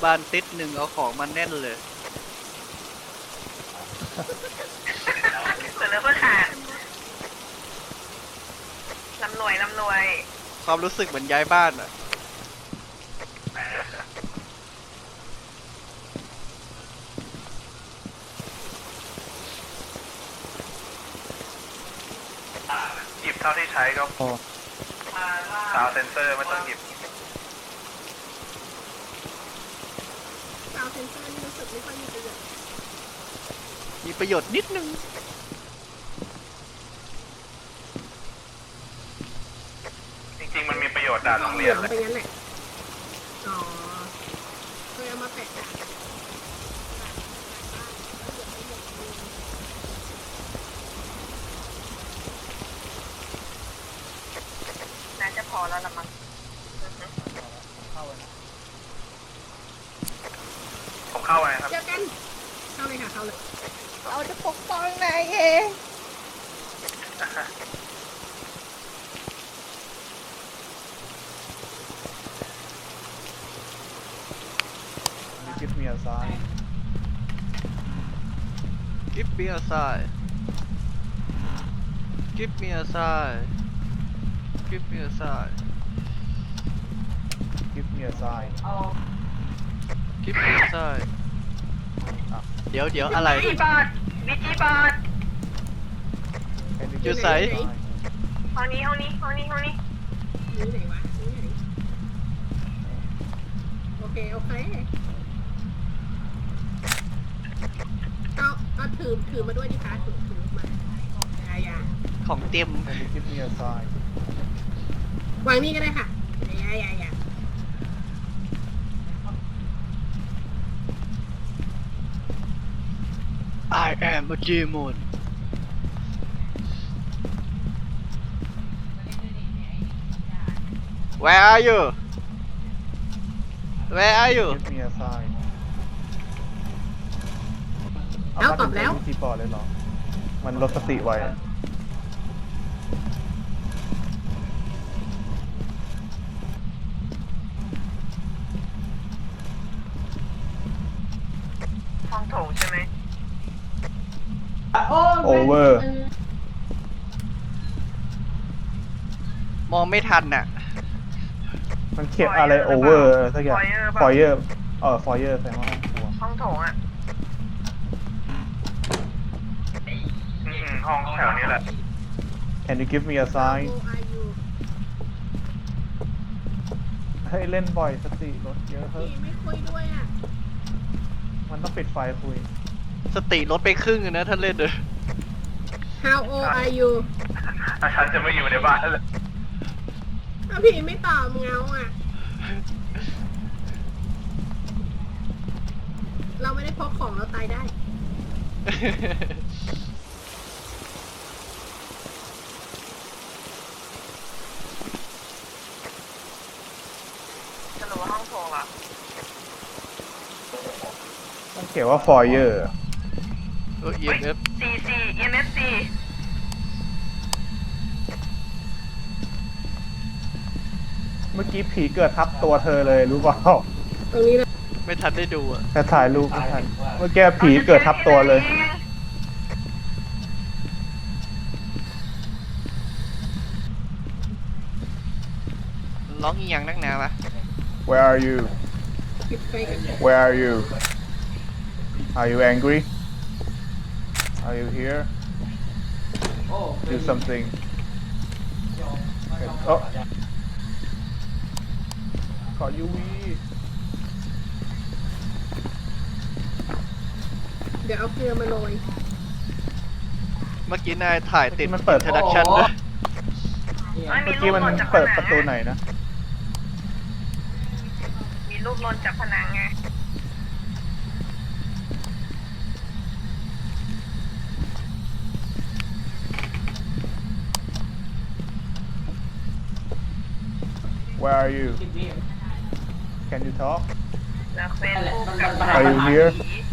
บ้านติดหนึ่งเอาของมาแน่นเลยเปิดแล้วเพื่อขาดลำหน่วยความรู้สึกเหมือนย้ายบ้านอ่ะหยิบเท่าที่ใช้ก็พอซาวเซนเซอร์ไม่ต้องหยิบซาวเซนเซอร์นี่รู้สึกไม่ค่อยมีประโยชน์มีประโยชน์นิดนึงจริงๆมันมีประโยชน์ด่านโรงเหเรีลืยนองเลยไปงั้นแหละอ๋อเคยเอามาแปะน่าจะพอแล้วละมั้งผมเข้าไปครับเจอกันเข้าเลยค่ะเข้าเลยเราจะปกป้องนายเอง Give me a sign. Give me a sign Give me a sign Give me a sign Give me a sign. Give me a sign เดี๋ยวอะไรวิจิบอด Can you You give me a say? sign? ห้องนี้นี่ไหนวะนี่ไหนโอเคเอาถือมาด้วยดิคะถือมาอย่าของเต็ม Can you give me a sign? วางนี่ก็ได้ค่ะอย่า I am a demon Where are you Where are you Give me a sign. แล้วตอบแล้ววิธีปอดเลยเหรอ มันลดสติไว้ห้องโถงใช่ไหม Over มองไม่ทันน่ะมันเขียนอะไร over สักอย่าง Foyer Foyer แสดงว่าห้องครัวห้องโถงอ่ะห้องแถวนี้แหละ Can you give me a sign? ให้เล่นบ่อยสติลดเยอะเพิ่มพี่ไม่คุยด้วยอ่ะมันต้องปิดไฟคุยสติลดไปครึ่งอะนะถ้าเล่นเลย How old are you ฉันจะไม่อยู่ในบ้านแล้วถ้าพี่ไม่ตอบเงาอ่ะ เราไม่ได้พกของเราตายได้สรุปว่าห้องโถงเหรอมันเขียนว่า Foyer EMF EMFC เมื่อกี้ผีเกิดทับตัวเธอเลยรู้เปล่าตรงนี้นะไม่ทันได้ดูอ่ะแต่ถ่ายรูปไม่ทัน เมื่อกี้ผีเกิดทับตัวเลยร้องอีหยังนักหนาวะ Where are you? ปิดไฟกัน Where are you? Are you angry? Are you here? Do something. Oh. ขอ UV เดี๋ยวเอาเกลือมาโรยเมื่อกี้นายถ่ายติดมันเปิด introduction ด้วยเมื่อกี้มันเปิดประตูไหนนะมีรูปลนจากผนังไง Where are you? Can you talk? แล้วเฟซบุ๊กกับ Are you here?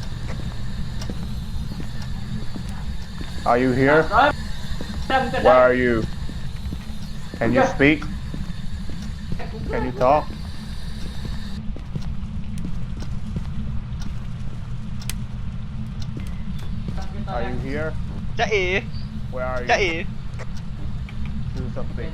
Are you here? Where are you? Can you speak? Can you talk? Are you here จะเอ๋ Where are จะ you เอ๋ Do something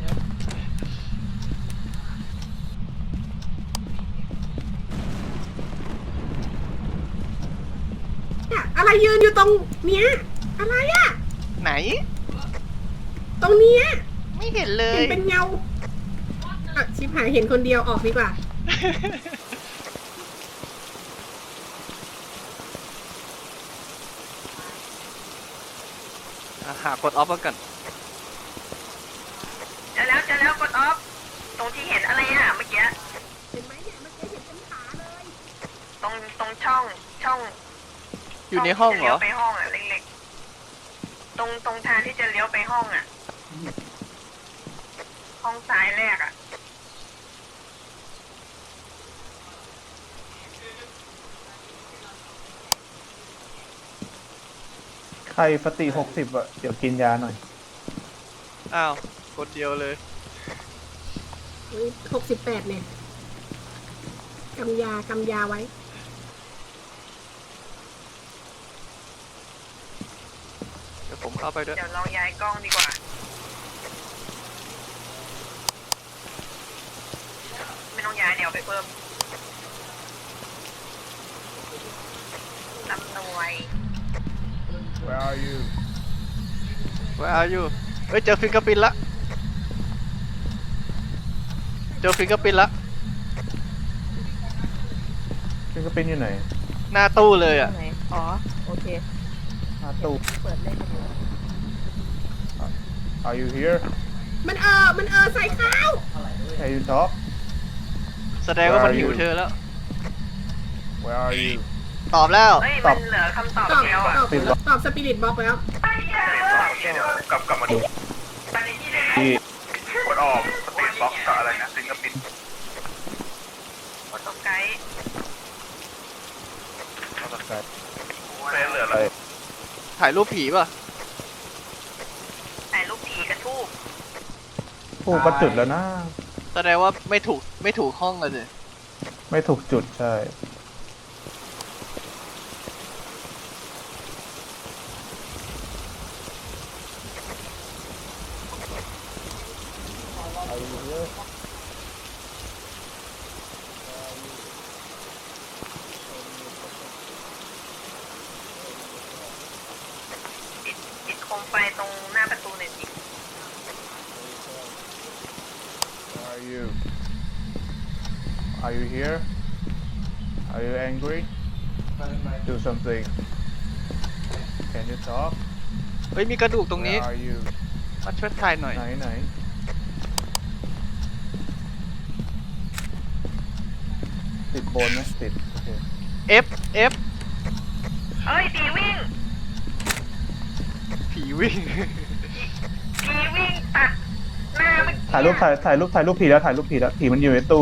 เนี่ยอะไรยืนอยู่ตรงเนี้ยอะไรอะไหนตรงเนี้ยไม่เห็นเลเห็ยนเป็นเงาอ่ะชิบหายเห็นคนเดียวออกดีกว่าหากดออฟกันเจอแล้วกดออฟตรงที่เห็นอะไรอ่ะเมื่อกี้เห็นไหมเนี่ยเมื่อกี้เห็นเป็นขาเลยตรงช่องอยู่ในห้องเหรที่จะอเลี้ยวไปห้องอ่ะเล็กๆตรงทางที่จะเลี้ยวไปห้องอ่ะ ห้องซ้ายแรกอ่ะใครปฏิ60อ่ะ เดี๋ยวกินยาหน่อยอ้าวกดเดียวเลย 68เนี่ยกำยาไว้เดี๋ยวผมเข้าไปด้วยเดี๋ยวเราย้ายกล้องดีกว่า ไม่ต้องย้ายเดี๋ยวไปเพิ่มลำนวย Where are you Where are you เฮ้ยเจอฟิงเกอร์ปินละเจอฟิงเกอร์ปินละฟิงเกอร์พิ้นอยู่ไหนหน้าตู้เลยอ่ะไหนอ๋อ โอเคหน้าตู้เปิดเล่นกันอยู่ Are you here มันใส่ข้าว Can you talk แสดงว่ามันหิวเธอแล้ว Where are you ตอบแล้วเฮ้ยตมัอบนเหลือคำตอบตอบเดียวอ่ะตอบสปิริตบล็อกแล้วเดี๋ยวกลับมาดูที่กดออกสปีดบ็อกกับอะไรนะฟิงเกอร์พิ้นกดตรงไกด์เฟซเหลือไปแล้วถ่ายรูปผีป่ะถ่ายรูปผีกระทูบผู้ก็จุดแล้วนะแสดงว่าไม่ถูกห้องเลยสิไม่ถูกจุดใช่ติดโคมไฟตรงหน้าประตูหน่อยสิ Where are you Are you here Are you angry Do something Can you talk เฮ้ยมีกระดูกตรงนี้ Where are you มาช่วยถ่ายหน่อยไหนติดโบนไหมติดโอเค F เอ้ยผีวิ่งผีวิ่งผีวิ่งตัดหน้าเมื่อกี้ถ่ายรูปผีแล้วผีมันอยู่ในตู้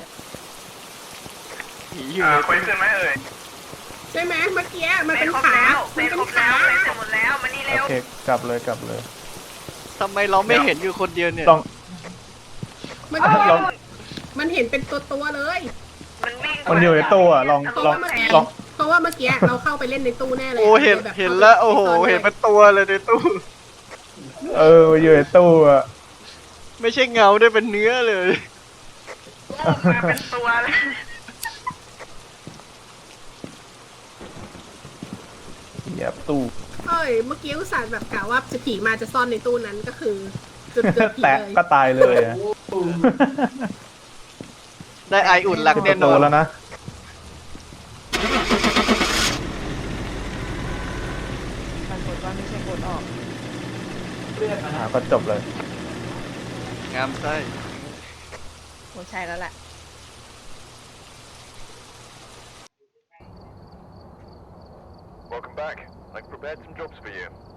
ผีอยู่เควสขึ้นไหมเอ่ยใช่ไหมเมื่อกี้มันเฟเป็ซนครบขาแล้วเฟมันซเป็ครนบขาแล้วเฟซเสร็จหมดแล้วมานี่โอเร็วเคกลับเลยทำไมเราไม่เห็นอยู่คนเดียวเนี่ยลองมันลองมันเห็นเป็นตัวเลยมันวิ่งมันอยู่ในตู้อ่ะลองเพราะลองว่าเมื่อกี้ลองเพราะว่าเมื่อกี้เราเข้าไปเล่นในตู้แน่เลยโอ้เห็นแบบเห็นแล้วโอ้โหข้าไปเห็นเป็นตัวเลยในตู้มันอยู่ในตู้อ่ะไม่ใช่เงาด้วยเป็นเนื้อเลยมาเป็นตัวเลยเหยียบตู้เอ้ยเมื่อกี้อุตส่าห์แบบกะว่าจะผีมาจะซ่อนในตู้นั้นก็คือจุดเกิดผีแตะเลยก็ตายเลยอ่ะได้ไออุ่นหลักแน่นโตอนแล้วนะก็จบเลยงามไส้คงใช่แล้วแหละ Welcome back. I've prepared some jobs for you.